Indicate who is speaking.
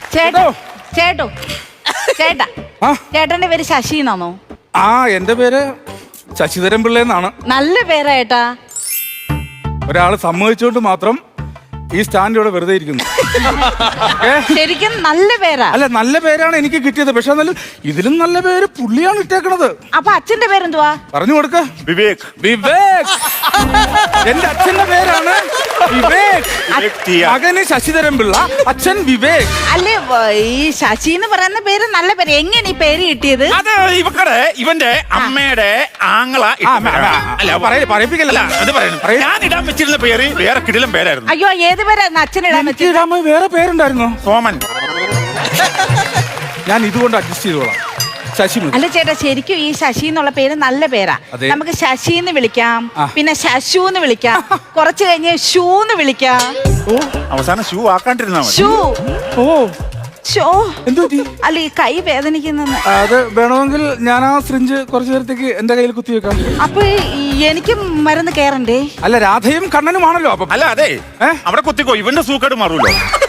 Speaker 1: ചേട്ടാ ചേട്ടന്റെ പേര് ശശി എന്നാണോ?
Speaker 2: ആ, എന്റെ പേര് ശശിധരൻ പിള്ള എന്നാണ്.
Speaker 1: നല്ല പേരാ ഏട്ടാ.
Speaker 2: ഒരാള് സമ്മതിച്ചോണ്ട് മാത്രം ഈ സ്റ്റാൻഡ് ഇവിടെ വെറുതെ ഇരിക്കുന്നു.
Speaker 1: ശരിക്കും നല്ല പേരാ.
Speaker 2: അല്ല, നല്ല പേരാണ് എനിക്ക് കിട്ടിയത്. പക്ഷെ എന്നാലും ഇതിലും നല്ല പേര് പുള്ളിയാണ് ഇട്ടേക്കണത്.
Speaker 1: അപ്പൊ അച്ഛന്റെ പേരെന്തുവാ?
Speaker 2: പറഞ്ഞു കൊടുക്ക.
Speaker 3: വിവേക്.
Speaker 2: വിവേക് എന്റെ അച്ഛന്റെ പേരാണ് വിവേക്. മകന് ശശിധരൻ പിള്ള, അച്ഛൻ വിവേക്.
Speaker 1: അല്ലേ, ഈ ശശി എന്ന് പറയുന്ന പേര് നല്ല പേര്. എങ്ങനെ ഈ പേര് കിട്ടിയത്?
Speaker 3: അത് ഇവന്റെ അമ്മയുടെ ആങ്ങള.
Speaker 2: പറയിപ്പിക്കല്ല,
Speaker 3: അത് പറയണം. ഞാൻ ഇടാൻ വെച്ചിരുന്ന പേര് വേറെ കിടിലം പേരായിരുന്നു.
Speaker 1: അയ്യോ, ഏത് പേരായിരുന്നു അച്ഛനിടാൻ വെച്ചത്?
Speaker 2: വേറെ പേരുണ്ടായിരുന്നോ?
Speaker 3: സോമൻ.
Speaker 2: ഞാൻ ഇതുകൊണ്ട് അഡ്ജസ്റ്റ് ചെയ്തോളാം. ശശി.
Speaker 1: അല്ല ചേട്ടാ, ശരിക്കും ഈ ശശി എന്നുള്ള പേര് നല്ല പേരാ. നമുക്ക് ശശി എന്ന് വിളിക്കാം, പിന്നെ ശശു എന്ന് വിളിക്കാം, കുറച്ച് കഴിഞ്ഞ് ഷൂ എന്ന് വിളിക്കാം.
Speaker 3: അവസാനം ഷൂ ആക്കാണ്ടിരുന്നാ മതി.
Speaker 1: ഷൂ.
Speaker 2: ഓ,
Speaker 1: അല്ല, ഈ കൈ വേദനിക്കുന്ന.
Speaker 2: അത് വേണമെങ്കിൽ ഞാൻ ആ സിറിഞ്ച് കുറച്ചു നേരത്തേക്ക് എന്റെ കയ്യിൽ കുത്തിവെക്കാം.
Speaker 1: അപ്പൊ എനിക്ക് മരുന്ന് കേറണ്ടേ?
Speaker 2: അല്ല, രാധയും കണ്ണനുമാണല്ലോ. അപ്പൊ
Speaker 3: അല്ല, അതെ, അവിടെ കുത്തിക്കോ, ഇവന്റെ സൂക്കേട് മാറൂല്ലോ.